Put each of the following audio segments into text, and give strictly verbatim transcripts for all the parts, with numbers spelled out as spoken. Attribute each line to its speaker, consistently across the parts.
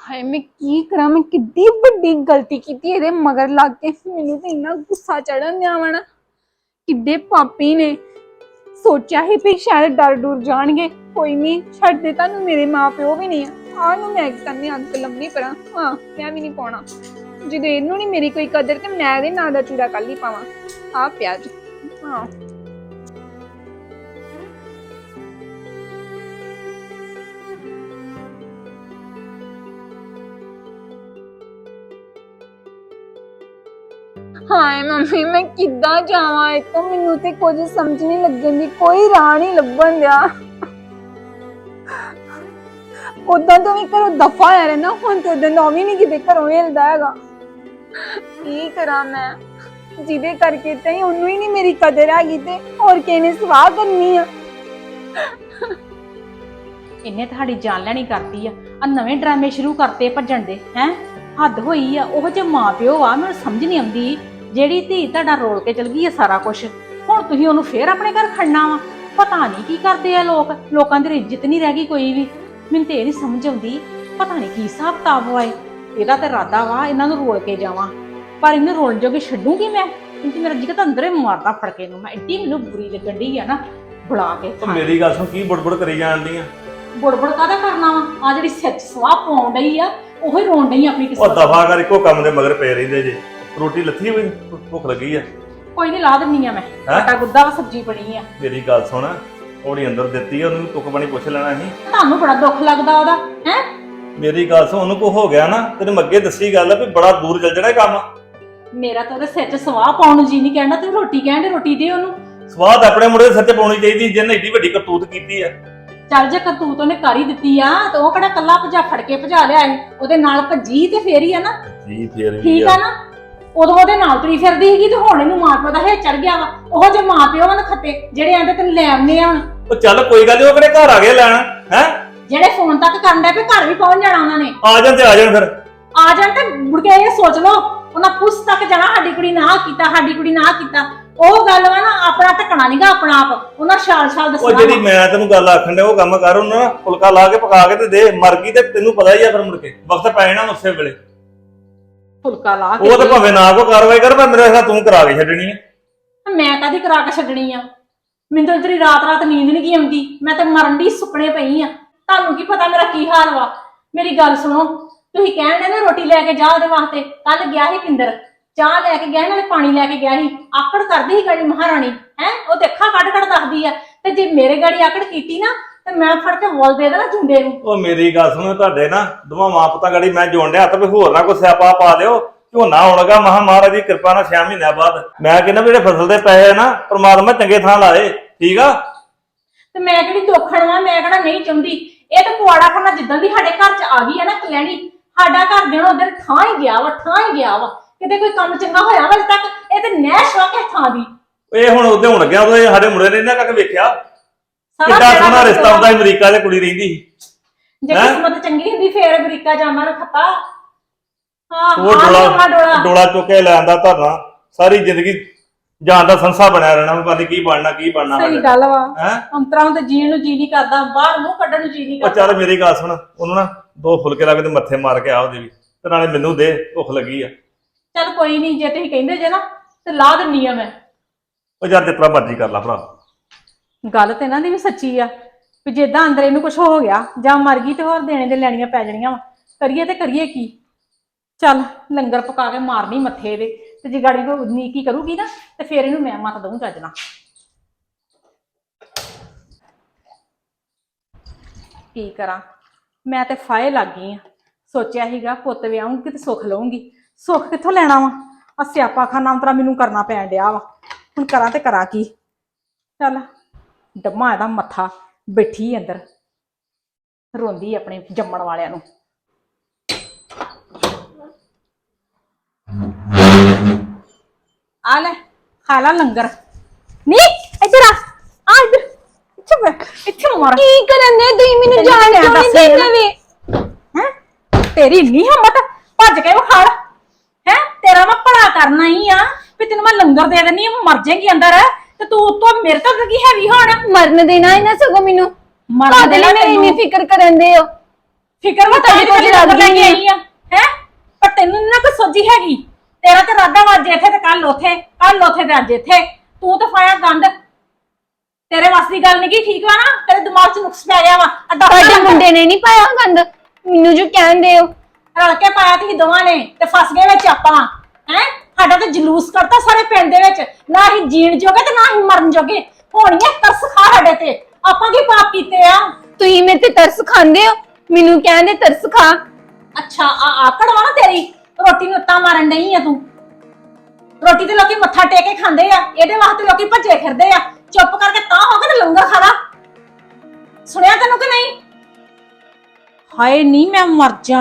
Speaker 1: हाय मैं की करा मैं कितनी बड़ी गलती की थी ਇਹਦੇ ਮਗਰ ਲੱਗ ਕੇ ਮੈਨੂੰ ਤੇ ਇੰਨਾ ਗੁੱਸਾ ਚੜਨ ਦਿਆ ਵਾ ਨਾ ਕਿੱਡੇ ਪਾਪੀ ਨੇ ਸੋਚਿਆ ਹੀ ਵੀ ਸ਼ਾਇਦ ਡਰ ਡੁਰ ਜਾਣਗੇ ਕੋਈ ਨਹੀਂ ਛੱਡਦੇ ਤੁਹਾਨੂੰ ਮੇਰੇ ਮਾਪਿਓ ਵੀ ਨਹੀਂ ਆ ਆ ਨੂੰ ਮੈਂ ਕੰਨੇ ਅੰਕ ਲੰਮੀ ਪਰਾਂ ਹਾਂ ਮੈਂ ਵੀ ਨਹੀਂ ਪਾਉਣਾ ਜਦੋਂ ਇਹਨੂੰ ਨਹੀਂ ਮੇਰੀ ਕੋਈ ਕਦਰ ਤੇ ਮੈਂ ਇਹਦੇ ਨਾਂ ਦਾ ਚੂੜਾ ਕੱਲ ਹੀ ਪਾਵਾਂ ਆ ਪਿਆਜ ਹਾਂ हाय मम्मी मैं किद्दां जावां इतो मैनू ते कुछ समझ नहीं लगन दी कोई राह नहीं लभन दिया उदां तो भी घरों दफा होया रहना हुण ते उदां दा भी नहीं किते घरों हिलदा हैगा की करा मैं जिहदे करके ते ओनू ही नहीं मेरी कदर हैगी ते होर किहने सवाह करनी आ
Speaker 2: इन्हें ਤੁਹਾਡੀ ਜਾन ਲੈਣੀ ਕਰਤੀ ਆ ਆ ਨਵੇਂ ਡਰਾਮੇ ਸ਼ੁਰੂ ਕਰਤੇ ਭੱਜਣ ਦੇ ਹੈ ਹੱਦ ਹੋਈ ਆ ਉਹ ਜੇ ਮਾਂ ਪਿਓ ਆ ਮੈਨੂੰ ਸਮਝ ਨਹੀਂ ਆਉਂਦੀ ਜਿਹੜੀ ਧੀ ਤੁਹਾਡਾ ਰੋਲ ਕੇ ਚਲ ਗਈ ਆ ਸਾਰਾ ਕੁਝ ਹੁਣ ਤੁਸੀਂ ਉਹਨੂੰ ਫੇਰ ਆਪਣੇ ਘਰ ਖੜਨਾ ਵਾ ਪਤਾ ਨਹੀਂ ਕੀ ਕਰਦੇ ਆ ਲੋਕ ਲੋਕਾਂ ਦੀ ਇੱਜ਼ਤ ਨਹੀਂ ਰਹਿ ਗਈ ਕੋਈ ਵੀ ਮੈਨੂੰ ਤੇ ਇਹ ਨਹੀਂ ਸਮਝ ਆਉਂਦੀ ਪਤਾ ਨਹੀਂ ਕੀ ਹਿਸਾਬ ਕਿਤਾਬ ਹੋਏ ਇਹਦਾ ਤੇ ਇਰਾਦਾ ਵਾ ਇਹਨਾਂ ਨੂੰ ਰੋਲ ਕੇ ਜਾਵਾਂ ਪਰ ਇਹਨੂੰ ਰੋਲ ਜੋਗੇ ਛੱਡੂਗੀ ਮੈਂ ਕਿਉਂਕਿ ਮੇਰਾ ਜਿਗਤ ਅੰਦਰੇ ਮਾਰਦਾ ਫੜਕੇ ਨੂੰ ਮੈਂ ਐਡੀ ਮੈਨੂੰ ਬੁਰੀ ਲੱਗਣ ਢੀ ਆ ਨਾ ਬੁਲਾ ਕੇ
Speaker 3: ਮੇਰੀ ਗੱਲ ਸੁਣ ਕੀ ਬੁੜਬੁੜ ਕਰੀ ਜਾਂਦੀ ਆ
Speaker 2: ਬੁੜਬੁੜ ਕਾਹਦਾ ਕਰਨਾ ਵਾ ਆ ਜਿਹੜੀ ਸੱਚ ਸਵਾਹ ਪਾਉਣ ਡਈ ਆ ਉਹ ਹੀ ਰੋਣ ਡਈ ਆਪਣੀ
Speaker 3: ਉਹ ਦਫਾ ਕਰ ਇੱਕੋ ਕੰਮ ਦੇ ਮਗਰ ਪਏ ਰਹਿੰਦੇ ਜੇ ਰੋਟੀ ਲੱਥੀ ਹੋਈ ਭੁੱਖ ਲੱਗੀ ਆ
Speaker 2: ਕੋਈ ਨਹੀਂ ਲਾ ਦਿੰਨੀ ਆ ਮੈਂ ਆਟਾ ਗੁੱਦਾ ਵਾ ਸਬਜ਼ੀ ਬਣੀ ਆ
Speaker 3: ਮੇਰੀ ਗੱਲ ਸੁਣ ਉਹਦੀ ਅੰਦਰ ਦਿੱਤੀ ਆ ਉਹਨੂੰ ਤੁੱਕ ਪਾਣੀ ਪੁੱਛ ਲੈਣਾ ਸੀ
Speaker 2: ਤੁਹਾਨੂੰ ਬੜਾ ਦੁੱਖ ਲੱਗਦਾ ਉਹਦਾ ਹੈ
Speaker 3: ਮੇਰੀ ਗੱਲ ਸੁਣ ਉਹਨੂੰ ਕੋ ਹੋ ਗਿਆ ਨਾ ਤੈਨੂੰ ਅੱਗੇ ਦੱਸੀ ਗੱਲ ਵੀ ਬੜਾ ਦੂਰ ਚੱਲ ਜਾਣਾ ਇਹ ਕੰਮ
Speaker 2: ਮੇਰਾ ਤਾਂ ਉਹਦੇ ਸਿਰ 'ਚ ਸਵਾਹ ਪਾਉਣ ਨੂੰ ਜੀ ਨਹੀਂ ਕਹਿਣਾ ਤੂੰ ਰੋਟੀ ਕਹਿਣ ਰੋਟੀ ਦੇ ਉਹਨੂੰ
Speaker 3: ਸਵਾਦ ਆਪਣੇ ਮੁੰਡੇ ਦੇ ਸਿਰ 'ਚ ਪਾਉਣੀ ਚਾਹੀਦੀ ਜਿਹਨੇ ਏਡੀ ਵੱਡੀ ਕਰਤੂਤ ਕੀਤੀ ਆ
Speaker 2: ਚੱਲ ਜੇ ਕਰਤੂਤ ਉਹਨੇ ਕਰ ਹੀ ਦਿੱਤੀ ਆ ਤੇ ਉਹ ਕਿਹੜਾ ਕੱਲਾ ਭਜਾ ਫੜ ਕੇ ਭਜਾ ਲਿਆ ਏ ਉਹਦੇ ਨਾਲ ਭੱਜੀ ਤੇ ਫੇਰ ਹੀ ਆ ਨਾ
Speaker 3: ਜੀ ਫੇਰ ਵੀ
Speaker 2: ਠੀਕ ਆ ਨਾ ਉਦੋਂ ਉਹਦੇ ਨਾਲ ਤੁਰੀ ਫਿਰਦੀ ਸੀਗੀ ਤੇ ਹੁਣ ਇਹਨੂੰ ਮਾਂ ਪਿਓ ਦਾ ਹੈ ਚੜ ਗਿਆ ਵਾ ਉਹ ਜੇ ਮਾਂ ਪਿਓ ਹਨ ਖੱਤੇ ਜਿਹੜੇ ਆਂਦੇ ਤੈਨੂੰ ਲੈ ਆਉਂਦੇ ਆ ਹੁਣ
Speaker 3: ਉਹ ਚੱਲ ਕੋਈ ਗੱਲ ਨੀ ਉਹ ਕਿਹੜੇ ਘਰ ਆ ਗਏ ਲੈਣ ਹੈ
Speaker 2: ਜਿਹੜੇ ਫੋਨ ਤੱਕ ਕਰਨ ਦੇ ਵੀ ਘਰ ਵੀ ਪਹੁੰਚ ਜਾਣਾ ਉਹਨਾਂ ਨੇ
Speaker 3: ਆ ਜਾਣ ਤੇ ਆ ਜਾਣ ਫਿਰ
Speaker 2: ਆ ਜਾਣ ਤੇ ਮੁੜ ਕੇ ਇਹ ਸੋਚ ਲਓ ਉਹਨਾਂ ਪੁੱਛ ਤੱਕ ਜਾਣਾ ਸਾਡੀ ਕੁੜੀ ਨਾ ਕੀਤਾ ਸਾਡੀ ਕੁੜੀ ਨਾ ਕੀਤਾ ਉਹ ਗੱਲ ਵਾ ਨਾ ਆਪਣਾ ਢਕਣਾ ਨਹੀਂਗਾ ਆਪਣਾ ਆਪ ਉਹਨਾਂ ਛਾਲ ਛਾਲ ਦੱਸਣਾ
Speaker 3: ਉਹ ਜਿਹੜੀ ਮੈਂ ਤੈਨੂੰ ਗੱਲ ਆਖਣ ਡਿਆ ਉਹ ਕੰਮ ਕਰ ਉਹਨੂੰ ਨਾ ਫੁਲਕਾ ਲਾ ਕੇ ਪਕਾ ਕੇ ਤੇ ਦੇ ਮਰ ਗਈ ਤੇ ਤੈਨੂੰ ਪਤਾ ਹੀ ਆ ਫਿਰ ਮੁੜ ਕੇ ਵਕਤ ਪੈ ਜਾਣਾ ਉਸੇ ਵੇਲੇ
Speaker 2: ਫੁਲਕਾ ਲਾ ਕੇ
Speaker 3: ਉਹ ਤਾਂ ਭਾਵੇਂ ਨਾ ਕੋ ਕਾਰਵਾਈ ਕਰ ਪਰ ਮੇਰੇ ਖਿਆਲ ਤੂੰ ਕਰਾ ਕੇ ਛੱਡਣੀ ਹੈ
Speaker 2: ਮੈਂ ਕਾਹਦੀ ਕਰਾ ਕੇ ਛੱਡਣੀ ਆ ਮੈਨੂੰ ਤਾਂ ਤੇਰੀ ਰਾਤ ਰਾਤ ਨੀਂਦ ਨਹੀਂ ਕੀ ਆਉਂਦੀ ਮੈਂ ਤਾਂ ਮਰਨ ਦੀ ਸੁਪਨੇ ਪਈ ਆ ਤੁਹਾਨੂੰ ਕੀ ਪਤਾ ਮੇਰਾ ਕੀ ਹਾਲ ਵਾ ਮੇਰੀ ਗੱਲ ਸੁਣੋ ਤੁਸੀਂ ਕਹਿਣ ਦੇ ਨਾ ਰੋਟੀ ਲੈ ਕੇ ਜਾ ਉਹਦੇ ਵਾਸਤੇ ਕੱਲ ਗਿਆ ਸੀ ਪਿੰਦਰ ਚਾਹ ਲੈ ਕੇ ਗਿਆ ਨਾਲੇ ਪਾਣੀ ਲੈ ਕੇ ਗਿਆ ਸੀ ਆਕੜ ਕਰਦੀ ਸੀ ਗਾੜੀ ਮਹਾਰਾਣੀ ਹੈ ਉਹ ਤੇ ਅੱਖਾਂ ਕੱਢ ਕੱਢ ਦੱਸਦੀ ਆ ਤੇ ਜੇ ਮੇਰੇ ਗਾੜੀ ਆਕੜ ਕੀਤੀ ਨਾ ਤੇ ਮੈਂ ਫੜ ਕੇ ਵੋਲ ਦੇ ਦੇਣਾ ਝੁੰਡੇ ਨੂੰ
Speaker 3: ਉਹ ਮੇਰੀ ਗੱਲ ਸੁਣੋ ਤੁਹਾਡੇ ਨਾ ਦੋਵਾਂ ਮਾਂ ਪੁੱਤਾਂ ਗਾੜੀ ਮੈਂ ਜੋੜਿਆ ਹੱਥ ਵੀ ਹੋਰ ਨਾ ਕੋਈ ਸਿਆਪਾ ਪਾ ਦਿਓ ਝੋਨਾ ਆਉਣਗਾ ਮਹਾ ਮਹਾਰਾਜ ਦੀ ਕਿਰਪਾ ਨਾਲ ਛੇ ਮਹੀਨਿਆਂ ਬਾਅਦ ਮੈਂ ਕਹਿੰਦਾ ਵੀ ਜਿਹੜੇ ਫਸਲ ਦੇ ਪੈਸੇ ਨਾ ਪ੍ਰਮਾਤਮਾ ਚੰਗੇ ਥਾਂ ਲਾਏ ਠੀਕ ਆ
Speaker 2: ਤੇ ਮੈਂ ਕਿਹੜੀ ਦੋਖਣ ਵਾਂ ਮੈਂ ਕਿਹੜਾ ਨਹੀਂ ਚਾਹੁੰਦੀ ਇਹ ਤਾਂ ਪੁਆੜਾ ਖਾਣਾ ਜਿੱਦਾਂ ਦੀ ਸਾਡੇ ਘਰ ਚ ਆ ਗਈ ਹੈ ਨਾ ਕਲੈਣੀ ਸਾਡਾ ਘਰ ਦੇਣਾ ਉਧਰ ਥਾਂ ਹੀ ਗਿਆ ਵਾ ਥਾਂ ਹੀ ਗਿਆ ਵਾ ਕਿਤੇ ਕੋਈ ਕੰਮ ਚੰਗਾ ਹੋਇਆ ਵਾ ਅਜੇ ਤੱਕ ਇਹ ਤੇ ਨੈਸ਼ ਵਾ ਕੇ ਥਾਂ ਦੀ
Speaker 3: ਇਹ ਹੁਣ ਉਹਦੇ ਹੁਣ ਗਿਆ ਉਹ ਸਾਡੇ ਮੁੰਡੇ ਨੇ ਇਹਨਾਂ ਤੱਕ ਵੇਖਿਆ ਕਿੱਡਾ ਸੋਹਣਾ ਰਿਸ਼ਤਾ ਹੁੰਦਾ ਅਮਰੀਕਾ 'ਚ ਕੁੜੀ ਰਹਿੰਦੀ ਸੀ
Speaker 2: ਜੇ ਕਿਸਮਤ ਚੰਗੀ ਹੁੰਦੀ ਫੇਰ ਅਮਰੀਕਾ ਜਾਣਾ ਨਾ ਖੱਤਾ ਹਾਂ
Speaker 3: ਉਹ ਡੋਲਾ ਡੋਲਾ ਚੁੱਕ ਕੇ ਲੈ ਆਂਦਾ ਧਰਨਾ ਸਾਰੀ ਜ਼ਿੰਦਗੀ ਜਾਨ ਦਾ ਸੰਸਾ ਬਣਿਆ ਰਹਿਣਾ ਪਤਾ ਨਹੀਂ ਕੀ ਬਣਨਾ ਕੀ ਬਣਨਾ
Speaker 2: ਸਹੀ ਗੱਲ ਵਾ ਅੰਤਰਾਂ ਤੇ ਜੀਣ ਨੂੰ ਜੀ ਨਹੀਂ ਕਰਦਾ ਬਾਹਰ ਮੂੰਹ ਕੱਢਣ ਨੂੰ ਜੀ ਨਹੀਂ
Speaker 3: ਉਹ
Speaker 2: ਕਰਦਾ
Speaker 3: ਚੱਲ ਮੇਰੀ ਗੱਲ ਸੁਣ ਉਹਨੂੰ ਨਾ ਦੋ ਫੁਲਕੇ ਲਾ ਕੇ ਤੇ ਮੱਥੇ ਮਾਰ ਕੇ ਆ ਉਹਦੇ ਵੀ ਤੇ ਨਾਲੇ ਮੈਨੂੰ ਦੇ ਭੁੱਖ ਲੱਗੀ ਆ
Speaker 2: ਚੱਲ ਕੋਈ ਨਹੀਂ ਜੇ ਤੁਸੀਂ ਕਹਿੰਦੇ ਜੇ ਨਾ ਤੇ ਲਾ ਦਿੰਨੀ ਆ ਮੈਂ
Speaker 3: ਉਹ ਯਾਰ ਜਿਤਨਾ ਮਰਜ਼ੀ ਕਰ ਲਾ ਭਰਾ
Speaker 2: ਗੱਲ ਤੇ ਇਹਨਾਂ ਦੀ ਵੀ ਸੱਚੀ ਆ ਵੀ ਜਿੱਦਾਂ ਅੰਦਰ ਇਹਨੂੰ ਕੁਝ ਹੋ ਗਿਆ ਜਾਂ ਮਰ ਗਈ ਤੇ ਹੋਰ ਦੇਣੇ ਦੇ ਲੈਣੀਆਂ ਪੈ ਜਾਣੀਆਂ ਵਾ ਕਰੀਏ ਤੇ ਕਰੀਏ ਕੀ ਚੱਲ ਲੰਗਰ ਪਕਾ ਕੇ ਮਾਰਨੀ ਮੱਥੇ ਦੇ ਤੇ ਜੇ ਗਾੜੀ ਕੋ ਨੀਕੀ ਕਰੂਗੀ ਨਾ ਤੇ ਫੇਰ ਇਹਨੂੰ ਮੈਂ ਮੱਤ ਦਊਂ ਚੱਜਣਾ ਕੀ ਕਰਾਂ ਮੈਂ ਤੇ ਫਾਇ ਲੱਗ ਗਈ ਆ ਸੋਚਿਆ ਸੀਗਾ ਪੁੱਤ ਵਿਆਹੂੰਗੀ ਤੇ ਸੁੱਖ ਲਊਂਗੀ ਸੁੱਖ ਕਿੱਥੋਂ ਲੈਣਾ ਵਾ ਆ ਸਿਆਪਾ ਖਾਨਾ ਅੰਤਰਾ ਮੈਨੂੰ ਕਰਨਾ ਪੈਣ ਡਿਆ ਵਾ ਹੁਣ ਕਰਾਂ ਤੇ ਕਰਾਂ ਕੀ ਚੱਲ ਡੰਮਾ ਇਹਦਾ ਮੱਥਾ ਬੈਠੀ ਅੰਦਰ ਰੋਂਦੀ ਆਪਣੇ ਜੰਮਣ ਵਾਲਿਆਂ ਨੂੰ ਆ ਲੈ ਖਾ ਲਾ ਲੰਗਰ ਨੀ ਇੱਧਰ ਆ ਆ ਇੱਧਰ ਇੱਥੇ ਬੈਠ ਇੱਥੇ ਮਾਰ
Speaker 1: ਕੀ ਕਰਨ ਦੇ ਤੁਸੀਂ ਮੈਨੂੰ ਜਾਣ ਕਿਉਂ ਨਹੀਂ ਦਿੰਦੇ ਵੇ
Speaker 2: ਹੈ ਤੇਰੀ ਨਹੀਂ ਹਿੰਮਤ ਭੱਜ ਕੇ ਵਿਖਾੜ ਹੈ ਤੇਰਾ ਮੈਂ ਭਲਾ ਕਰਨਾ ਹੀ ਆ ਵੀ ਤੈਨੂੰ ਮੈਂ ਲੰਗਰ ਦੇ ਦੇਣੀ ਆ ਮਰ ਜਾਏਗੀ ਅੰਦਰ ਤੇ ਤੂੰ ਉੱਤੋਂ ਮੇਰੇ ਤੋਂ ਕੀ ਹੈਵੀ ਹੋਣਾ
Speaker 1: ਮਰਨ ਦੇਣਾ ਇਹਨਾਂ ਸਗੋਂ ਮੈਨੂੰ
Speaker 2: ਮਰਨ
Speaker 1: ਦੇ ਲਈ ਮੇਰੀ ਇੰਨੀ ਫਿਕਰ ਕਰਨ ਦੇ ਹੋ
Speaker 2: ਫਿਕਰ ਵਾ
Speaker 1: ਤੁਹਾਡੇ ਕੋਲ
Speaker 2: ਲੱਗ
Speaker 1: ਲੱਗ ਗਈ
Speaker 2: ਗਈ ਆ ਹੈ ਪਰ ਤੈਨੂੰ ਨੀ ਨਾ ਕੋਈ ਸੋਝੀ ਹੈਗੀ। ਤੇਰਾ ਤੇ ਰਾਦਾ ਵੱਜ ਇੱਥੇ ਤੇ ਕੱਲ ਉਥੇ ਕੱਲ ਉਥੇ ਤੇ ਅੱਜ ਇੱਥੇ ਤੂੰ ਤਾਂ ਫਾਇਆ ਗੰਦ। ਤੇਰੇ ਵੱਸ ਦੀ ਗੱਲ ਨਹੀਂ ਕੀ ਠੀਕ ਵਾ ਨਾ ਤੇਰੇ ਦਿਮਾਗ 'ਚ ਨੁਕਸ ਪੈ ਗਿਆ ਵਾ ਅੱਡਾ
Speaker 1: ਤੁਹਾਡੇ ਮੁੰਡੇ ਨੇ ਨਹੀਂ ਪਾਇਆ ਗੰਦ ਮੈਨੂੰ ਜੋ ਕਹਿੰਦੇ ਹੋ
Speaker 2: ਰਲ ਕੇ ਪਾਇਆ ਤੁਸੀਂ ਦੋਵਾਂ ਨੇ ਤੇ ਫਸ ਗਏ ਵਿੱਚ ਆਪਾਂ ਹੈ। ਸਾਡਾ ਤੇ ਜਲੂਸ ਕਰਤਾ ਸਾਰੇ ਪਿੰਡ ਦੇ ਵਿੱਚ ਨਾ ਹੀ ਜੀਣ ਜੋਗੇ ਤੇ ਨਾ ਹੀ ਮਰਨ ਜੋਗੇ ਹੋਣੀਆਂ ਤਰਸ ਖਾ ਸਾਡੇ ਤੇ ਆਪਾਂ ਕੀ ਪਾਪ ਕੀਤੇ ਆ।
Speaker 1: ਤੁਸੀਂ ਮੇਰੇ ਤੇ ਤਰਸ ਖਾਂਦੇ ਹੋ ਮੈਨੂੰ ਕਹਿੰਦੇ ਤਰਸ ਖਾ।
Speaker 2: ਅੱਛਾ ਆ ਆਕੜ ਵਾ ਨਾ ਤੇਰੀ ਰੋਟੀ ਨੂੰ ਉੱਤਾ ਮਾਰਨ ਨਹੀਂ ਆ ਤੂੰ। ਰੋਟੀ ਤੇ ਲੋਕੀ ਮੱਥਾ ਟੇਕ ਕੇ ਖਾਂਦੇ ਆ ਇਹਦੇ ਵਾਸਤੇ ਲੋਕੀ ਭੱਜੇ ਫਿਰਦੇ ਆ। ਚੁੱਪ ਕਰਕੇ ਤਾਂ ਹੋ ਕੇ ਤੇ ਲੰਗਰ ਖਾ ਲਾ। ਸੁਣਿਆ ਤੈਨੂੰ ਕਿ ਨਹੀਂ? ਹਾਏ ਨਹੀਂ ਮੈਂ ਮਰ ਜਾ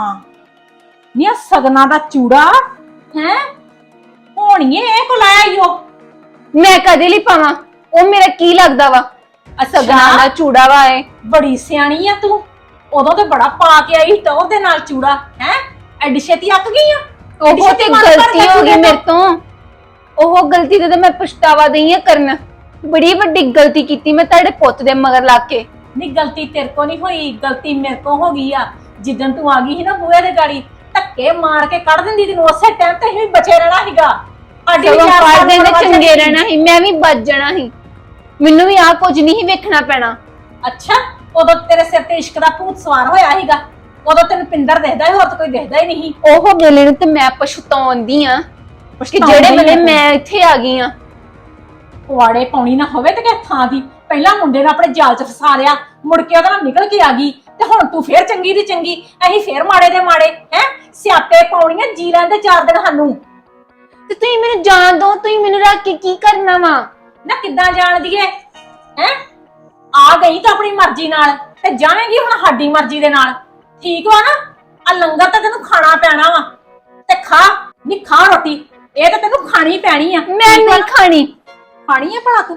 Speaker 2: ਨੀ ਆ ਸਗਨਾ ਦਾ ਚੂੜਾ ਹੈ ਹੋਣੀਏ ਇਹ ਕੋ ਲਾਇਆ ਈਓ।
Speaker 1: ਮੈਂ ਕਦੇ ਲਈ ਪਾਵਾਂ ਉਹ ਮੇਰਾ ਕੀ ਲੱਗਦਾ ਵਾ ਸਗਨਾ ਦਾ ਚੂੜਾ ਵਾ ਏ।
Speaker 2: ਬੜੀ ਸਿਆਣੀ ਆ ਤੂੰ ਉਦੋਂ ਤੇ ਬੜਾ ਪਾ ਕੇ ਆਈ ਟੌਰ ਦੇ ਨਾਲ ਚੂੜਾ ਹੈ ਐਡੀ ਛੇਤੀ ਅੱਕ ਗਈ ਆ।
Speaker 1: ਉਹ ਤੇ ਗਲਤੀ ਹੋ ਗਈ ਮੇਰੇ ਤੋਂ ਉਹ ਗਲਤੀ ਤੇ ਮੈਂ ਪਛਤਾਵਾ ਦਈ ਆ ਕਰਨ ਬੜੀ ਵੱਡੀ ਗਲਤੀ ਕੀਤੀ ਮੈਂ ਤੁਹਾਡੇ ਪੁੱਤ ਦੇ ਮਗਰ ਲੱਗ ਕੇ।
Speaker 2: ਨਹੀਂ ਗਲਤੀ ਤੇਰੇ ਕੋ ਨਹੀਂ ਹੋਈ ਗਲਤੀ ਮੇਰੇ ਕੋ ਹੋ ਗਈ ਆ। ਜਿੱਦਣ ਤੂੰ ਆ ਗਈ ਸੀ ਨਾ ਬੂਹੇ ਦੇ ਗਾੜੀ ਧੱਕੇ ਮਾਰ ਕੇ ਕੱਢ ਦਿੰਦੀ ਤੈਨੂੰ ਉਸੇ ਟਾਈਮ ਤੇ ਹੀ ਬਚੇ ਰਹਿਣਾ ਸੀਗਾ। ਆਡੀ
Speaker 1: ਚਾਰ ਦਿਨ ਦੇ ਚੰਗੇ ਰਹਿਣਾ ਸੀ ਮੈਂ ਵੀ ਬਚ ਜਾਣਾ ਸੀ ਮੈਨੂੰ ਵੀ ਆ ਕੁਝ ਨਹੀਂ ਵੇਖਣਾ ਪੈਣਾ।
Speaker 2: ਅੱਛਾ ਉਦੋਂ ਤੇਰੇ ਸਿਰ ਤੇ ਇਸ਼ਕ ਦਾ ਭੂਤ ਸਵਾਰ ਹੋਇਆ ਸੀਗਾ ਉਦੋਂ ਤੈਨੂੰ ਪਿੰਦਰ ਦਿਖਦਾ ਹੀ ਹੋਰ ਤਾਂ ਕੋਈ ਦਿਖਦਾ ਹੀ ਨਹੀਂ।
Speaker 1: ਉਹ ਵੇਲੇ ਨੂੰ ਤੇ ਮੈਂ ਪਛਤਾਉਂਦੀ ਆ ਕਿ ਜਿਹੜੇ ਵੇਲੇ ਮੈਂ ਇੱਥੇ ਆ ਗਈ ਆ।
Speaker 2: ਪੁਆੜੇ ਪਾਉਣੀ ਨਾ ਹੋਵੇ ਤੇ ਕਿ ਥਾਂ ਦੀ ਪਹਿਲਾਂ ਮੁੰਡੇ ਨੂੰ ਆਪਣੇ ਜਾਲ 'ਚ ਫਸਾ ਲਿਆ ਮੁੜ ਕੇ ਉਹਦਾ ਨਿਕਲ ਕੇ ਆ ਗਈ ਤੇ ਹੁਣ ਤੂੰ ਫੇਰ ਚੰਗੀ ਦੀ ਚੰਗੀ ਅਸੀਂ ਫੇਰ ਮਾੜੇ ਦੇ ਮਾੜੇ ਹੈ ਸਿਆਪੇ ਪਾਉਣੀਆਂ ਜੀ ਲੈਂਦੇ ਚਾਰ ਦਿਨ ਸਾਨੂੰ।
Speaker 1: ਤੇ ਤੁਸੀਂ ਮੈਨੂੰ ਜਾਣ ਦੋ ਤੁਸੀਂ ਮੈਨੂੰ ਰੱਖ ਕੇ ਕੀ ਕਰਨਾ ਵਾ?
Speaker 2: ਨਾ ਕਿੱਦਾਂ ਜਾਣ ਦੀਏ ਹੈ ਆ ਗਈ ਤਾਂ ਆਪਣੀ ਮਰਜ਼ੀ ਨਾਲ ਤੇ ਜਾਵੇਂਗੀ ਹੁਣ ਸਾਡੀ ਮਰਜ਼ੀ ਦੇ ਨਾਲ ਠੀਕ ਵਾ ਨਾ। ਆ ਲੰਗਰ ਤਾਂ ਤੈਨੂੰ ਖਾਣਾ ਪੈਣਾ ਵਾ ਤੇ ਖਾ ਨਹੀਂ ਖਾ ਰੋਟੀ ਇਹ ਤਾਂ ਤੈਨੂੰ ਖਾਣੀ ਪੈਣੀ ਆ।
Speaker 1: ਮੈਂ ਨਹੀਂ ਖਾਣੀ
Speaker 2: ਖਾਣੀ ਆ ਭਲਾ ਤੂੰ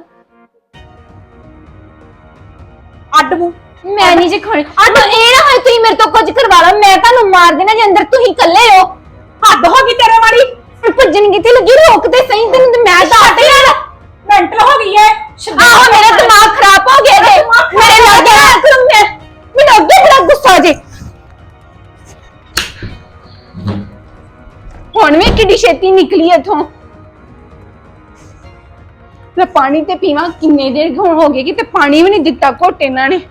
Speaker 2: ਅੱਡ ਮੂੰਹ
Speaker 1: ਮੈਂ ਨਹੀਂ ਜੇ ਖਾਣੀ ਅੱਡ ਇਹ ਨਾ ਹੋਏ ਤੁਸੀਂ ਮੇਰੇ ਤੋਂ ਕੁਝ ਕਰਵਾ ਲਓ ਮੈਂ ਤੁਹਾਨੂੰ ਮਾਰ ਦੇਣਾ ਜੇ ਅੰਦਰ ਤੁਸੀਂ ਇਕੱਲੇ ਹੋ।
Speaker 2: ਹੱਦ ਹੋ ਗਈ ਤੇਰੇ ਵਾਲੀ
Speaker 1: ਭੱਜਣ ਕਿੱਥੇ ਲੱਗੀ ਰੋਕ ਤੇ ਸਹੀ ਤੈਨੂੰ ਤੇ ਮੈਂ ਤਾਂ ਹਟ ਲਿਆ
Speaker 2: ਮੈਂਟਲ ਹੋ ਗਈ ਏ।
Speaker 1: ਆਹੋ ਮੇਰਾ ਦਿਮਾਗ ਖਰਾਬ ਹੋ ਗਿਆ ਜੇ ਮੇਰੇ ਨਾਲ ਗਿਆ ਕਰੂੰ ਮੈਂ ਮੈਨੂੰ ਅੱਗੇ ਬੜਾ ਗੁੱਸਾ ਜੇ ਹੁਣ ਵੀ ਕਿੱਡੀ ਛੇਤੀ ਨਿਕਲੀ ਇੱਥੋਂ। ਮੈਂ ਪਾਣੀ ਤੇ ਪੀਵਾਂ ਕਿੰਨੇ ਦੇਰ ਹੁਣ ਹੋ ਗਏ ਕਿ ਤੇ ਪਾਣੀ ਵੀ ਨਹੀਂ ਦਿੱਤਾ ਘੋਟੇ ਇਹਨਾਂ ਨੇ।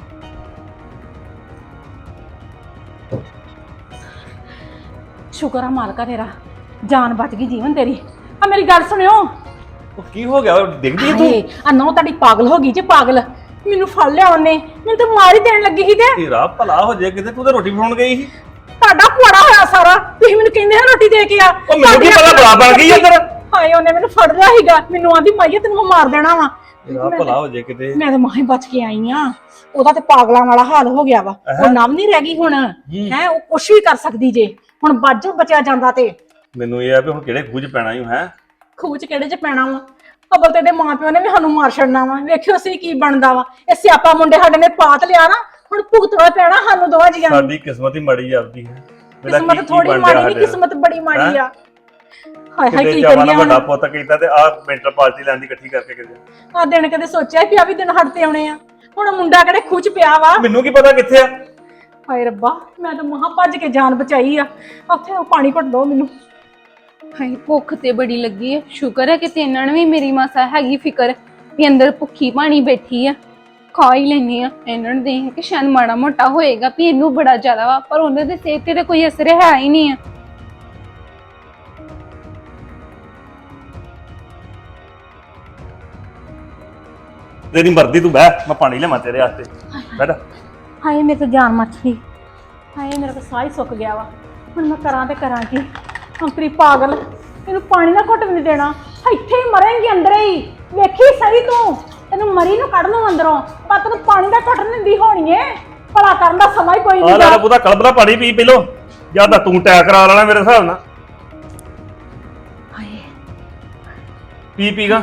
Speaker 2: ਸ਼ੁਕਰ ਆ ਮਾਲਕਾ ਤੇਰਾ ਜਾਨ ਬਚ ਗਈ ਜੀਵਨ ਤੇਰੀ। ਆ ਮੇਰੀ ਗੱਲ ਸੁਣਿਓ
Speaker 3: ਉਹ ਕੀ ਹੋ ਗਿਆ ਡਿੱਗਦੀ ਤੂੰ?
Speaker 2: ਆ ਨੌ ਤੁਹਾਡੀ ਪਾਗਲ ਹੋ ਗਈ ਜੇ ਪਾਗਲ ਮੈਨੂੰ ਫੜ ਲਿਆ ਉਹਨੇ ਮੈਨੂੰ ਤਾਂ ਮਾਰ ਹੀ ਦੇਣ ਲੱਗੀ ਸੀ ਤੇ
Speaker 3: ਤੇਰਾ ਭਲਾ ਹੋ ਜਾਏ ਕਿਤੇ ਤੂੰ ਤਾਂ ਰੋਟੀ ਬਣਾਉਣ ਗਈ ਸੀ।
Speaker 2: ਤੁਹਾਡਾ ਪੁਆੜਾ ਹੋਇਆ ਸਾਰਾ ਤੁਸੀਂ ਮੈਨੂੰ ਕਹਿੰਦੇ ਆ ਰੋਟੀ ਦੇ ਕੇ ਆ।
Speaker 3: ਉਹ ਮੈਨੂੰ ਕੀ ਪਤਾ ਬਲਾ ਬਣ ਗਈ ਅੰਦਰ।
Speaker 2: ਹਾਏ ਉਹਨੇ ਮੈਨੂੰ ਫੜ ਲਿਆ ਸੀਗਾ ਮੈਨੂੰ ਆਂਦੀ ਮਾਈਏ ਤੈਨੂੰ ਮੈਂ ਮਾਰ ਦੇਣਾ ਵਾ।
Speaker 3: ਤੇਰਾ ਭਲਾ ਹੋ ਜਾਏ ਕਿਤੇ।
Speaker 2: ਮੈਂ ਤਾਂ ਮਾਹੀ ਬਚ ਕੇ ਆਈ ਆ। ਉਹਦਾ ਤੇ ਪਾਗਲਾਂ ਵਾਲਾ ਹਾਲ ਹੋ ਗਿਆ ਵਾ ਉਹ ਨਾਮ ਨਹੀਂ ਰਹਿ ਗਈ ਹੁਣ ਹੈ ਉਹ ਕੁਛ ਵੀ ਕਰ ਸਕਦੀ ਜੇ ਹੁਣ ਬਾਜੂ ਬਚਿਆ ਜਾਂਦਾ ਤੇ
Speaker 3: ਮੈਨੂੰ ਇਹ ਆ ਵੀ ਹੁਣ ਕਿਹੜੇ ਖੂਜ ਪੈਣਾ ਹੀ ਹੈ
Speaker 2: ਖੂਚ ਕਿਹੜੇ ਚ ਪੈਣਾ ਵਾ ਅਬਲ ਤੇ ਦੇ ਮਾਂ ਪਿਓ ਨੇ ਵੀ ਸਾਨੂੰ ਮਾਰ ਛੱਡਣਾ ਵਾ ਵੇਖਿਓ ਅਸੀਂ ਕੀ ਬਣਦਾ ਵਾ ਇਹ ਸਿਆਪਾ ਮੁੰਡੇ ਸਾਡੇ ਨੇ ਪਾਤ ਲਿਆ ਨਾ ਹੁਣ ਭੁਗਤਣਾ ਪੈਣਾ ਸਾਨੂੰ ਦੋਵਾਂ ਜੀਆਂ ਨੂੰ।
Speaker 3: ਸਾਡੀ ਕਿਸਮਤ ਹੀ ਮਾੜੀ ਆਪਦੀ ਹੈ।
Speaker 2: ਕਿਸਮਤ ਥੋੜੀ ਮਾੜੀ ਨਹੀਂ ਕਿਸਮਤ ਬੜੀ ਮਾੜੀ ਆ। ਹਾਏ ਹਾਏ ਕੀ
Speaker 3: ਕਰੀਏ
Speaker 2: ਹੁਣ
Speaker 3: ਵੱਡਾ ਪੁੱਤ ਕੀਤਾ ਤੇ ਆਹ ਮੈਂਟਲ ਪਾਰਟੀ ਲੈਣ ਦੀ ਇਕੱਠੀ ਕਰਕੇ ਕਿਤੇ
Speaker 2: ਆ ਦਿਨ ਕਦੇ ਸੋਚਿਆ ਵੀ ਆ ਵੀ ਦਿਨ ਹੱਟ ਤੇ ਆਉਣੇ ਆ ਹੁਣ ਮੁੰਡਾ ਕਿਹੜੇ ਖੁਚ ਪਿਆ ਵਾ।
Speaker 3: ਮੈਨੂੰ ਕੀ ਪਤਾ ਕਿੱਥੇ ਆ।
Speaker 2: ਹਾਏ ਰੱਬਾ ਮੈਂ ਤਾਂ ਮਹਾ ਭੱਜ ਕੇ ਜਾਨ ਬਚਾਈ ਆ। ਉੱਥੇ ਉਹ ਪਾਣੀ ਘੁੱਟ ਦੋ ਮੈਨੂੰ।
Speaker 1: ਹਾਏ ਭੁੱਖ ਤੇ ਬੜੀ ਲੱਗੀ ਹੈ ਸ਼ੁਕਰ ਹੈ ਕਿ ਤੇ ਇਹਨਾਂ ਨੂੰ ਵੀ ਮੇਰੀ ਮਾਸਾ ਹੈਗੀ ਫਿਕਰ ਵੀ ਅੰਦਰ ਭੁੱਖੀ ਪਾਣੀ ਬੈਠੀ ਆ ਖਾ ਹੀ ਲੈਣੀ ਆ। ਇਹਨਾਂ ਨੂੰ ਦੇਖ ਕੇ ਸ਼ਾਇਦ ਮਾੜਾ ਮੋਟਾ ਹੋਏਗਾ ਵੀ ਇਹਨੂੰ ਬੜਾ ਜ਼ਿਆਦਾ ਵਾ ਪਰ ਉਹਨਾਂ ਦੇ ਸਿਹਤ ਤੇ ਕੋਈ ਅਸਰ ਹੈ ਹੀ ਨਹੀਂ ਆ।
Speaker 3: ਤੇਰੀ ਮਰਜ਼ੀ ਤੂੰ ਬਹਿ ਮੈਂ ਪਾਣੀ ਲਿਆਵਾਂ ਤੇਰੇ ਵਾਸਤੇ ਬੈਠ।
Speaker 2: ਹਾਏ ਮੇਰੇ ਤੋਂ ਜਾਨ ਮੱਚ ਗਈ। ਹਾਏ ਮੇਰਾ ਤਾਂ ਸਾਹ ਹੀ ਸੁੱਕ ਗਿਆ ਵਾ ਹੁਣ ਮੈਂ ਕਰਾਂ ਤੇ ਕਰਾਂ ਕੀ। ਅੰਤਰੀ ਪਾਗਲ ਇਹਨੂੰ ਪਾਣੀ ਨਾ ਘੁੱਟ ਵੀ ਨਹੀਂ ਦੇਣਾ ਇੱਥੇ ਹੀ ਮਰੇਂਗੀ ਅੰਦਰ ਹੀ ਵੇਖੀ ਸਹੀ ਤੂੰ ਤੈਨੂੰ ਮਰੀ ਨੂੰ ਕੱਢ ਲਵਾਂ ਅੰਦਰੋਂ ਪਰ ਤੈਨੂੰ ਪਾਣੀ ਦਾ ਘੁੱਟ ਨਹੀਂ ਦੀ ਹੋਣੀ ਏ ਭਲਾ ਕਰਨ ਦਾ ਸਮਾਂ ਹੀ ਕੋਈ ਨਹੀਂ।
Speaker 3: ਆ ਲੈ ਉਹਦਾ ਕਲਬਲਾ ਪਾਣੀ ਪੀ ਪੀ ਲੋ ਜਾਂ ਤਾਂ ਤੂੰ ਟੈਕ ਕਰਾ ਲੈਣਾ ਮੇਰੇ ਹਿਸਾਬ ਨਾਲ।
Speaker 2: ਹਾਏ
Speaker 3: ਪੀ ਪੀਗਾ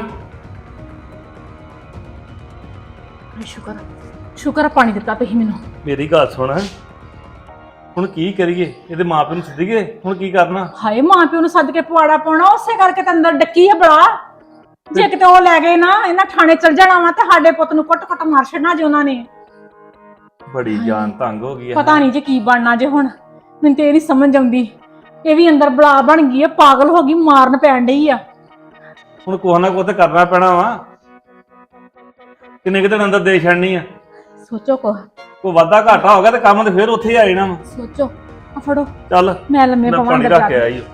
Speaker 2: ਸ਼ੁਕਰ ਸ਼ੁਕਰ ਪਾਣੀ ਦਿੱਤਾ ਤੁਸੀਂ ਮੈਨੂੰ।
Speaker 3: ਮੇਰੀ ਗੱਲ ਸੁਣ ਹੁਣ ਕੀ ਕਰੀਏ ਇਹਦੇ ਮਾਪਿਆਂ ਨੂੰ ਸੱਦੀਏ ਹੁਣ ਕੀ ਕਰਨਾ।
Speaker 2: ਹਾਏ ਮਾਂ ਪਿਓ ਨੂੰ ਸੱਦ ਕੇ ਪਵਾੜਾ ਪਾਉਣਾ ਉਸੇ ਕਰਕੇ ਤਾਂ ਅੰਦਰ ਡੱਕੀ ਆ ਬੜਾ ਜੇ ਕਿਤੇ ਉਹ ਲੈ ਗਏ ਨਾ ਇਹਨਾਂ ਥਾਣੇ ਚਲ ਜਾਣਾ ਵਾ ਤੇ ਸਾਡੇ ਪੁੱਤ ਨੂੰ ਕੁੱਟ ਕੁੱਟ ਮਾਰ ਛੱਡਣਾ ਜੇ ਉਹਨਾਂ ਨੇ।
Speaker 3: ਬੜੀ ਜਾਨ ਤੰਗ ਹੋ ਗਈ ਆ।
Speaker 2: ਪਤਾ ਨਹੀਂ ਜੇ ਕੀ ਬਣਨਾ ਜੇ ਹੁਣ, ਮੈਨੂੰ ਤੇ ਇਹ ਨਹੀਂ ਸਮਝ ਆਉਂਦੀ। ਇਹ ਵੀ ਅੰਦਰ ਬਲਾ ਬਣ ਗਈ ਆ, ਪਾਗਲ ਹੋ ਗਈ, ਮਾਰਨ ਪੈਣ ਡਈ ਆ।
Speaker 3: ਹੁਣ ਕੁਛ ਨਾ ਕੁਛ ਤੇ ਕਰਨਾ ਪੈਣਾ ਵਾ। ਕਿੰਨੇ ਕੁ ਦਿਨ ਅੰਦਰ ਦੇ ਛੱਡਣੀ ਆ।
Speaker 2: ਸੋਚੋ ਕੋ
Speaker 3: ਕੋਈ ਵਾਧਾ ਘਾਟਾ ਹੋ ਗਿਆ ਤੇ ਕੰਮ ਤੇ ਫੇਰ ਉੱਥੇ ਹੀ ਆ ਜਾਣਾ ਵਾ।
Speaker 2: ਸੋਚੋ। ਆ ਫੜੋ,
Speaker 3: ਚੱਲ
Speaker 2: ਮੈਂ ਲੰਮੇ
Speaker 3: ਮੈਂ
Speaker 2: ਪਵਾਂ
Speaker 3: ਪਾਣੀ
Speaker 2: ਅੰਦਰ
Speaker 3: ਰੱਖ
Speaker 2: ਜਾ
Speaker 3: ਕੇ
Speaker 2: ਕੇ।
Speaker 3: ਆਈ।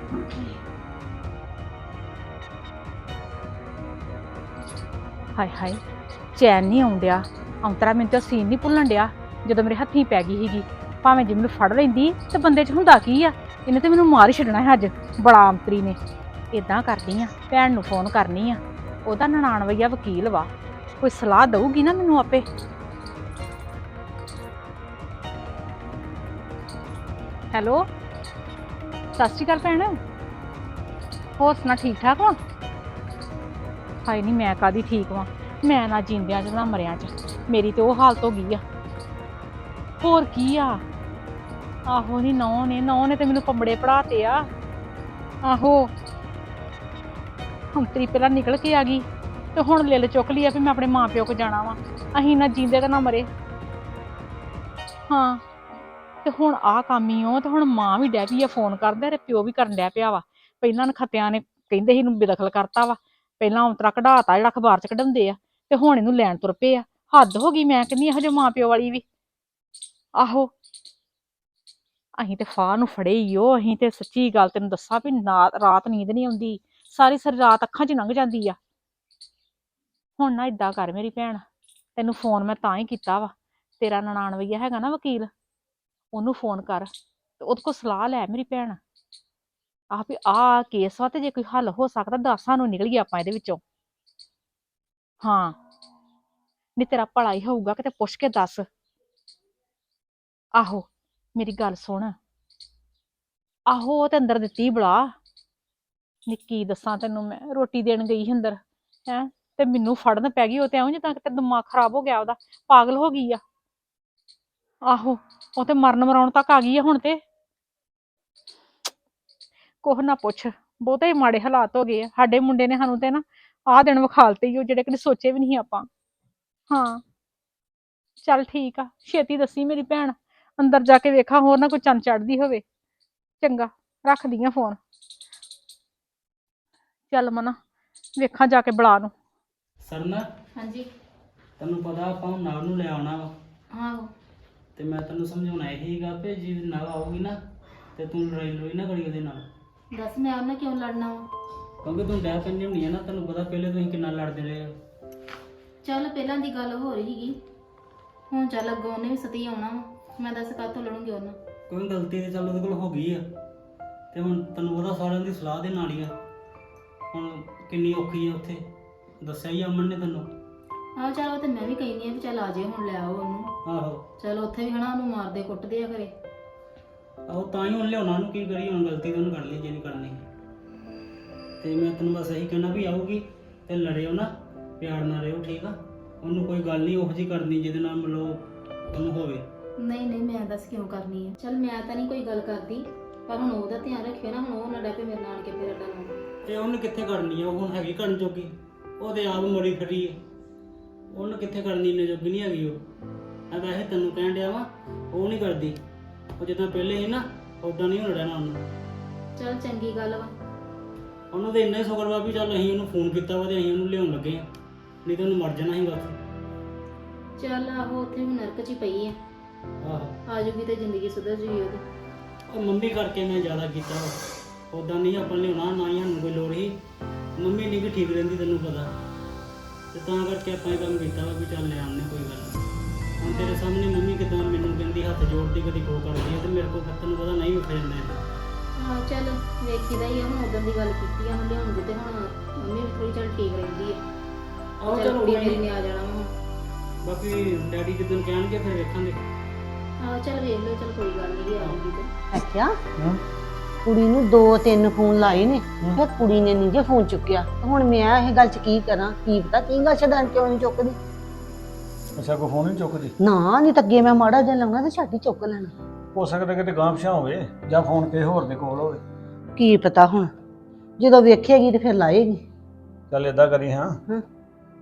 Speaker 2: ਹਾਏ ਹਾਏ, ਚੈਨ ਨਹੀਂ ਆਉਣ ਡਿਆ। ਔਂਤਰਾ ਮੈਨੂੰ ਤਾਂ ਸੀਨ ਨਹੀਂ ਭੁੱਲਣ ਡਿਆ ਜਦੋਂ ਮੇਰੇ ਹੱਥੀਂ ਪੈ ਗਈ ਸੀਗੀ। ਭਾਵੇਂ ਜੇ ਮੈਨੂੰ ਫੜ ਲੈਂਦੀ ਤੇ ਬੰਦੇ 'ਚ ਹੁੰਦਾ ਕੀ ਆ, ਇਹਨੇ ਤੇ ਮੈਨੂੰ ਮਾਰ ਹੀ ਛੱਡਣਾ ਹੈ ਅੱਜ, ਬੜਾ ਅੰਤਰੀ ਨੇ। ਇਦਾਂ ਕਰਦੀ ਆ, ਭੈਣ ਨੂੰ ਫੋਨ ਕਰਨੀ ਆ, ਉਹਦਾ ਨਨਾਣ ਵਈਆ ਵਕੀਲ ਵਾ, ਕੋਈ ਸਲਾਹ ਦਊਗੀ ਨਾ ਮੈਨੂੰ ਆਪੇ। ਹੈਲੋ, ਸਤਿ ਸ਼੍ਰੀ ਅਕਾਲ ਭੈਣ, ਹੋਰ ਸੁਣਾ ਠੀਕ ਠਾਕ ਵਾ? ਹਾਏ ਨਹੀਂ, ਮੈਂ ਕਾਹਦੀ ਠੀਕ ਵਾਂ, ਮੈਂ ਨਾ ਜਿੰਦਿਆਂ 'ਚ ਨਾ ਮਰਿਆਂ 'ਚ, ਮੇਰੀ ਤੇ ਉਹ ਹਾਲਤ ਹੋ ਗਈ ਆ। ਹੋਰ ਕੀ ਆ, ਆਹੋ ਨਹੀਂ ਨੌ ਨੇ ਨੌ ਨੇ ਤੇ ਮੈਨੂੰ ਪੰਬੜੇ ਪੜਾਤੇ ਆ। ਆਹੋ ਹੰਤਰੀ ਪਹਿਲਾਂ ਨਿਕਲ ਕੇ ਆ ਗਈ ਤੇ ਹੁਣ ਲਿਲ ਚੁੱਕ ਲਈ ਆ ਵੀ ਮੈਂ ਆਪਣੇ ਮਾਂ ਪਿਓ ਕੋ ਜਾਣਾ ਵਾ। ਅਸੀਂ ਨਾ ਜੀਂਦੇ ਤੇ ਨਾ ਮਰੇ। ਹਾਂ ਤੇ ਹੁਣ ਆਹ ਕੰਮ ਹੀ ਉਹ, ਤੇ ਹੁਣ ਮਾਂ ਵੀ ਡੈ ਪਈ ਆ ਫੋਨ ਕਰਦਾ ਤੇ ਪਿਓ ਵੀ ਕਰਨ ਡੈ ਪਿਆ ਵਾ। ਪਹਿਲਾਂ ਨਖੱਤਿਆਂ ਨੇ ਕਹਿੰਦੇ ਸੀ ਇਹਨੂੰ ਬੇਦਖਲ ਕਰਤਾ ਵਾ, ਪਹਿਲਾਂ ਔਂਤਰਾ ਕਢਾਤਾ ਜਿਹੜਾ ਅਖਬਾਰ 'ਚ ਕਢਾਉਂਦੇ ਆ, ਤੇ ਹੁਣ ਇਹਨੂੰ ਲੈਣ ਤੁਰ ਪਏ ਆ। ਹੱਦ ਹੋ ਗਈ, ਮੈਂ ਕਹਿੰਦੀ ਇਹੋ ਜਿਹੇ ਮਾਂ ਪਿਓ ਵਾਲੀ ਵੀ। ਆਹੋ ਅਸੀਂ ਤੇ ਫਾਹ ਨੂੰ ਫੜੇ ਹੀ ਉਹ, ਅਸੀਂ ਤੇ ਸੱਚੀ ਗੱਲ ਤੈਨੂੰ ਦੱਸਾਂ ਵੀ ਨਾ ਰਾਤ ਨੀਂਦ ਨਹੀਂ ਆਉਂਦੀ, ਸਾਰੀ ਸਾਰੀ ਰਾਤ ਅੱਖਾਂ 'ਚ ਲੰਘ ਜਾਂਦੀ ਆ। ਹੁਣ ਨਾ ਏਦਾਂ ਕਰ ਮੇਰੀ ਭੈਣ, ਤੈਨੂੰ ਫੋਨ ਮੈਂ ਤਾਂ ਹੀ ਕੀਤਾ ਵਾ, ਤੇਰਾ ਨਨਾਣ ਵਈਆ ਹੈਗਾ ਨਾ ਵਕੀਲ, ਉਹਨੂੰ ਫੋਨ ਕਰ ਤੇ ਉਹਦੇ ਕੋਲ ਸਲਾਹ ਲੈ ਮੇਰੀ ਭੈਣ। ਆਹ ਵੀ ਆਹ ਕੇਸ ਵਾ, ਤੇ ਜੇ ਕੋਈ ਹੱਲ ਹੋ ਸਕਦਾ ਦੱਸ ਸਾਨੂੰ, ਨਿਕਲੀਏ ਆਪਾਂ ਇਹਦੇ ਵਿੱਚੋਂ। ਹਾਂ ਨਹੀਂ ਤੇਰਾ ਭਲਾ ਹੀ ਹੋਊਗਾ, ਕਿਤੇ ਪੁੱਛ ਕੇ ਦੱਸ। ਆਹੋ ਮੇਰੀ ਗੱਲ ਸੁਣ, ਆਹੋ ਉਹ ਤੇ ਅੰਦਰ ਦਿੱਤੀ ਬੁਲਾ। ਨੀ ਕੀ ਦੱਸਾਂ ਤੈਨੂੰ, ਮੈਂ ਰੋਟੀ ਦੇਣ ਗਈ ਸੀ ਅੰਦਰ ਹੈਂ, ਤੇ ਮੈਨੂੰ ਫੜਨ ਪੈ ਗਈ। ਉਹ ਤੇ ਐਵੇਂ ਜਿੱਦਾਂ ਕਿਤੇ ਦਿਮਾਗ ਖਰਾਬ ਹੋ ਗਿਆ ਉਹਦਾ, ਪਾਗਲ ਹੋ ਗਈ ਆ। ਆਹੋ ਉਹ ਤੇ ਮਰਨ ਮਰਾਉਣ ਤੱਕ ਆ ਗਈ ਆ ਹੁਣ ਤੇ। ਕੁਛ ਨਾ ਪੁੱਛ, ਬਹੁਤੇ ਹੀ ਮਾੜੇ ਹਾਲਾਤ ਹੋ ਗਏ ਆ ਸਾਡੇ ਮੁੰਡੇ ਨੇ। ਸਾਨੂੰ ਤੇ ਨਾ ਆਹ ਦਿਨ ਵਿਖਾਲਤੇ ਹੀ ਉਹ, ਜਿਹੜੇ ਕਦੇ ਸੋਚੇ ਵੀ ਨਹੀਂ ਆਪਾਂ। ਹਾਂ ਚੱਲ ਠੀਕ ਆ, ਛੇਤੀ ਦੱਸੀ ਮੇਰੀ ਭੈਣ, ਅੰਦਰ ਜਾ ਕੇ ਵੇਖਾਂ ਹੋਰ ਨਾ ਕੋਈ ਚੰਨ ਚੜ੍ਹਦੀ ਹੋਵੇ। ਚੰਗਾ ਰੱਖਦੀ ਆ ਫੋਨ। ਚੱਲ ਮਨਾ ਵੇਖਾਂ ਜਾ ਕੇ ਬਲਾ ਨੂੰ।
Speaker 4: ਸਰਨਾ
Speaker 5: ਹਾਂਜੀ।
Speaker 4: ਤੈਨੂੰ ਪਤਾ ਆਪਾਂ ਹੁਣ ਨਵ ਨੂੰ ਲੈ ਆਉਣਾ ਵਾ,
Speaker 5: ਆਹੋ
Speaker 4: ਤੇ ਮੈਂ ਤੈਨੂੰ ਸਮਝਾਉਣਾ ਇਹ ਹੀਗਾ ਕਿ ਜੇ ਨਵ ਆਊਗੀ ਨਾ ਤੇ ਤੂੰ ਲੜਾਈ ਲੜੋਈ ਨਾ ਕਰੀ ਉਹਦੇ ਨਾਲ,
Speaker 5: ਦੱਸ ਮੈਂ ਉਹਨਾਂ ਕਿਉਂ ਲੜਨਾ ਵਾ?
Speaker 4: ਕਿਉਂਕਿ ਤੂੰ ਡੈ ਪੈਂਦੀ ਹੁੰਦੀ ਆ ਨਾ, ਤੈਨੂੰ ਪਤਾ ਪਹਿਲੇ ਤੁਸੀਂ ਕਿੰਨਾ ਲੜਦੇ ਰਹੇ ਹੋ।
Speaker 5: ਚੱਲ ਪਹਿਲਾਂ ਦੀ ਗੱਲ ਹੋ ਰਹੀ ਸੀਗੀ, ਹੁਣ ਚੱਲ ਅੱਗੋਂ ਉਹਨੇ ਵੀ ਸਤੀ ਆਉਣਾ ਵਾ, ਮੈਂ ਦੱਸ ਕਾਹਤੋਂ ਲੜੂੰਗੀ ਉਹਨਾਂ?
Speaker 4: ਕੋਈ ਗਲਤੀ ਤੇ ਚੱਲ ਉਹਦੇ ਕੋਲ ਹੋ ਗਈ ਆ, ਤੇ ਹੁਣ ਤੈਨੂੰ ਪਤਾ ਸਾਰਿਆਂ ਦੀ ਸਲਾਹ ਦੇ ਨਾਲ ਹੀ ਆ। ਹੁਣ ਕਿੰਨੀ ਔਖੀ ਆ ਉੱਥੇ, ਦੱਸਿਆ ਹੀ ਅਮਨ ਨੇ ਤੈਨੂੰ।
Speaker 5: ਆਹ ਚੱਲ ਉਹ ਤੇ ਮੈਂ ਵੀ ਕਹਿੰਦੀ ਆ ਵੀ ਚੱਲ ਆ ਜਾਏ ਹੁਣ, ਲੈ ਆਓ ਉਹਨੂੰ।
Speaker 4: ਆਹੋ
Speaker 5: ਚੱਲ ਉੱਥੇ ਵੀ ਹਨਾ ਉਹਨੂੰ ਮਾਰਦੇ ਕੁੱਟਦੇ ਆ ਘਰੇ।
Speaker 4: ਆਹੋ ਤਾਂ ਹੀ ਹੁਣ ਲਿਆਉਣਾ, ਉਹਨੂੰ ਕੀ ਕਰੀ, ਹੁਣ ਗਲਤੀ ਤਾਂ ਉਹਨੂੰ ਕਰ ਲਈ ਜੇ ਨਹੀਂ ਕਰਨੀ। ਤੇ ਮੈਂ ਤੈਨੂੰ ਬਸ ਇਹੀ ਕਹਿਣਾ ਵੀ ਆਊਗੀ ਤੇ ਲੜਿਓ ਨਾ, ਪਿਆਰ ਨਾਲ ਰਹੋ, ਠੀਕ ਆ? ਉਹਨੂੰ ਕੋਈ ਗੱਲ ਨਹੀਂ ਉਹੋ ਜਿਹੀ ਕਰਨੀ ਜਿਹਦੇ ਨਾਲ ਮਤਲਬ ਉਹਨੂੰ ਹੋਵੇ।
Speaker 5: ਨਹੀਂ ਨਹੀਂ ਮੈਂ ਦੱਸ ਕਿਉਂ ਕਰਨੀ ਆ? ਚੱਲ ਮੈਂ ਤਾਂ ਨਹੀਂ ਕੋਈ ਗੱਲ ਕਰਦੀ, ਪਰ ਹੁਣ ਉਹਦਾ ਧਿਆਨ ਰੱਖਿਓ ਨਾ, ਹੁਣ ਉਹ ਨਾ ਡੈ ਪਏ ਮੇਰੇ ਨਾਲ ਕੇ ਫਿਰ ਅੱਡਾ ਲਾਉਣਾ।
Speaker 4: ਤੇ ਉਹਨੇ ਕਿੱਥੇ ਕਰਨੀ ਆ, ਉਹ ਹੁਣ ਹੈਗੀ ਕਰਨ ਜੋਗੀ, ਉਹਦੇ ਆਪ ਮਰੀ ਖੜੀ ਹੈ, ਉਹਨੇ ਕਿੱਥੇ ਕਰਨੀ, ਇੰਨੇ ਜੋਗੀ ਨਹੀਂ ਹੈਗੀ ਉਹ। ਮੈਂ ਵੈਸੇ ਤੈਨੂੰ ਕਹਿਣ ਡਿਆ ਵਾ, ਉਹ ਨਹੀਂ ਕਰਦੀ, ਉਹ ਜਿੱਦਾਂ ਪਹਿਲੇ ਸੀ ਨਾ ਉਦਾਂ ਨਹੀਂ ਹੁਣ ਰਹਿਣਾ ਉਹਨੂੰ।
Speaker 5: ਚੱਲ ਚੰਗੀ ਗੱਲ ਵਾ।
Speaker 4: ਉਹਨੂੰ ਤਾਂ ਇੰਨਾ ਹੀ ਸ਼ੁਕਰ ਵਾ ਵੀ ਚੱਲ ਅਸੀਂ ਉਹਨੂੰ ਫੋਨ ਕੀਤਾ ਵਾ ਤੇ ਅਸੀਂ ਉਹਨੂੰ ਲਿਆਉਣ ਲੱਗੇ ਆ, ਨਹੀਂ ਤਾਂ ਉਹਨੂੰ ਮਰ ਜਾਣਾ ਸੀਗਾ ਉੱਥੇ।
Speaker 5: ਚੱਲ ਆਹੋ ਉੱਥੇ ਵੀ ਨਰਕ 'ਚ ਹੀ ਪਈ ਆ,
Speaker 4: ਆਹੋ
Speaker 5: ਆ ਜੂਗੀ ਤੇ ਜ਼ਿੰਦਗੀ ਸੁਧਰ ਜੂਗੀ ਉਹਦੀ।
Speaker 4: ਉਹ ਮੰਮੀ ਕਰਕੇ ਮੈਂ ਜ਼ਿਆਦਾ ਕੀਤਾ ਵਾ, ਉਦਾਂ ਨਹੀਂ ਆਪਾਂ ਲਿਆਉਣਾ, ਨਾ ਹੀ ਸਾਨੂੰ ਕੋਈ ਲੋੜ ਸੀ। ਮੰਮੀ ਨਹੀਂ ਵੀ ਠੀਕ ਰਹਿੰਦੀ ਤੈਨੂੰ ਪਤਾ, ਤੇ ਤਾਂ ਕਰਕੇ ਆਪਾਂ ਇਹ ਕੰਮ ਕੀਤਾ ਵਾ ਵੀ ਚੱਲ ਲੈ ਆਉਂਦੇ, ਕੋਈ ਗੱਲ ਨਹੀਂ। ਹੁਣ ਤੇਰੇ ਸਾਹਮਣੇ ਮੰਮੀ ਕਿਦਾਂ ਮੈਨੂੰ ਕਹਿੰਦੀ, ਹੱਥ ਜੋੜਦੀ, ਕਦੀ ਖੋ ਕਰਦੀ ਹੈ, ਤੇ ਮੇਰੇ ਕੋਲ ਫਿਰ ਤੈਨੂੰ ਪਤਾ ਨਹੀਂ ਉੱਠ ਜਾਂਦਾ ਇਹ।
Speaker 5: ਹਾਂ ਚੱਲ ਵੇਖੀਦਾ ਹੀ ਆ, ਹੁਣ ਉਦੋਂ ਦੀ ਗੱਲ ਕੀਤੀ ਆ, ਹੁਣ ਲਿਆਉਣ ਦੀ ਤੇ ਹੁਣ ਮੰਮੀ ਵੀ ਥੋੜੀ ਚੱਲ ਠੀਕ ਰਹਿੰਦੀ ਆ।
Speaker 4: ਆਹੋ
Speaker 5: ਚੱਲ
Speaker 4: ਚਲੋ
Speaker 5: ਕੁੜੀ
Speaker 4: ਕੋਈ
Speaker 5: ਮੇਰੀ
Speaker 4: ਨੀ।
Speaker 5: ਨੇ ਆ ਜਾਣਾ ਵਾ।
Speaker 4: ਬਾਕੀ ਡੈਡੀ ਜਿੱਦਣ ਕਹਿਣਗੇ ਫਿਰ ਵੇਖਾਂਗੇ।
Speaker 5: ਆਹੋ ਚੱਲ ਵੇਖ ਲਓ, ਚੱਲ ਕੋਈ ਗੱਲ ਨਹੀਂ, ਆਉਂਗੀ ਤੇ।
Speaker 6: ਅੱਛਾ
Speaker 3: ਹਾਂ
Speaker 6: ਕੁੜੀ ਨੂੰ ਦੋ ਤਿੰਨ ਫੋਨ ਲਾਏ ਨੇ, ਫਿਰ ਕੁੜੀ ਨੇ ਨਹੀਂ ਜੇ ਫੋਨ ਚੁੱਕਿਆ। ਤੇ ਹੁਣ ਮੈਂ ਇਹ ਗੱਲ 'ਚ ਕੀ ਕਰਾਂ, ਕੀ ਪਤਾ ਕੀ ਗੱਲ ਛੱਡਣ ਕਿਉਂ ਨਹੀਂ ਚੁੱਕਦੀ।
Speaker 7: ਅੱਛਾ ਕੋਈ ਫੋਨ ਨਹੀਂ ਚੁੱਕਦੀ?
Speaker 6: ਨਾ ਨਹੀਂ ਤਾਂ ਅੱਗੇ ਮੈਂ ਮਾੜਾ ਜਿਹਾ ਲਾਉਣਾ ਤੇ ਛੱਡ ਹੀ ਚੁੱਕ ਲੈਣਾ।
Speaker 7: ਹੋ ਸਕਦਾ ਕਿਤੇ ਗਾਂਹ ਪਿਛਾਂ ਹੋਵੇ ਜਾਂ ਫੋਨ ਕਿਸੇ ਹੋਰ ਦੇ ਕੋਲ ਹੋਵੇ।
Speaker 6: ਕੀ ਪਤਾ ਹੁਣ, ਜਦੋਂ ਵੇਖੇਗੀ ਤੇ ਫਿਰ ਲਾਏਗੀ।
Speaker 7: ਚੱਲ ਏਦਾਂ ਕਰੀ ਹਾਂ,
Speaker 6: ਹਾਂ।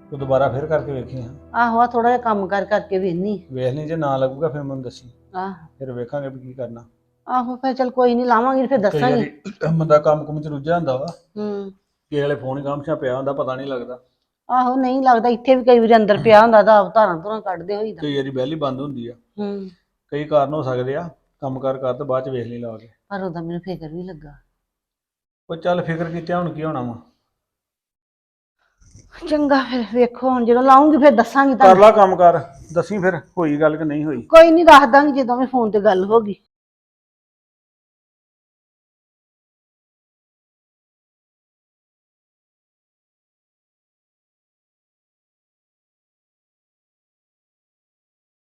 Speaker 7: ਤੂੰ ਦੁਬਾਰਾ ਫਿਰ ਕਰਕੇ ਵੇਖੀ ਹਾਂ।
Speaker 6: ਆਹੋ ਆ ਥੋੜਾ ਜਿਹਾ ਕੰਮ ਕਰ ਕਰਕੇ ਵੇਖਨੀ
Speaker 7: ਵੇਖ ਲਈ ਜੇ ਨਾ ਲੱਗੂਗਾ ਫਿਰ ਮੈਨੂੰ ਦੱਸੀ,
Speaker 6: ਆਹ
Speaker 7: ਫਿਰ ਵੇਖਾਂਗੇ ਵੀ ਕੀ ਕਰਨਾ।
Speaker 6: ਆਹੋ ਫਿਰ ਚਲ ਕੋਈ ਨਹੀਂ ਲਾਵਾਂਗੀ ਫਿਰ
Speaker 7: ਕਈ
Speaker 6: ਦੱਸਾਂਗੀ।
Speaker 7: ਵਾਰੀ ਬੰਦਾ ਕੰਮ ਕੁਮ ਚ ਰੁੱਝਿਆ ਹੁੰਦਾ ਵਾ,
Speaker 6: ਹੂੰ
Speaker 7: ਕਿਸੇ ਵੇਲੇ ਫੋਨ ਹੀ ਗਾਮਸ਼ਾ ਪਿਆ ਹੁੰਦਾ, ਪਤਾ ਨਹੀਂ ਲੱਗਦਾ।
Speaker 6: ਆਹੋ ਨਹੀਂ ਲੱਗਦਾ, ਇੱਥੇ ਵੀ ਕਈ ਵਾਰੀ ਅੰਦਰ ਪਿਆ ਹੁੰਦਾ ਤਾਂ ਆਪ ਧਾਰਾਂ ਧੁਰਾਂ ਕੱਢਦੇ ਹੋਈਦਾ।
Speaker 7: ਕਈ ਵਾਰੀ ਬੈਲ ਹੀ ਬੰਦ ਹੁੰਦੀ ਆ,
Speaker 6: ਹੂੰ
Speaker 7: ਕਈ ਕਾਰਨ ਹੋ ਸਕਦੇ ਆ। ਕੰਮ ਕਾਰ ਕਰ ਤੇ ਬਾਅਦ ਚ ਵੇਖ ਲਈ ਲਾ ਕੇ।
Speaker 6: ਪਰ ਉਹਦਾ ਮੈਨੂੰ ਫਿਕਰ ਵੀ ਲੱਗਾ।
Speaker 7: ਉਹ ਚੱਲ ਫਿਕਰ ਕੀਤਿਆਂ ਹੁਣ ਕੀ ਹੋਣਾ ਵਾ।
Speaker 6: ਚੰਗਾ ਫਿਰ ਵੇਖੋ ਹੁਣ ਜਦੋਂ ਲਾਉਂਗੀ ਫਿਰ ਦੱਸਾਂਗੀ
Speaker 7: ਕਰ
Speaker 6: ਤੁਹਾਨੂੰ।
Speaker 7: ਲਾ ਕੰਮ ਕਰ, ਦੱਸੀ ਫਿਰ ਹੋਈ ਗੱਲ ਕਿ ਨਹੀਂ ਹੋਈ।
Speaker 6: ਕੋਈ ਨਹੀਂ ਦੱਸ ਦਾਂਗੀ ਜਦੋਂ ਵੀ ਫੋਨ ਤੇ ਗੱਲ ਹੋ ਗਈ।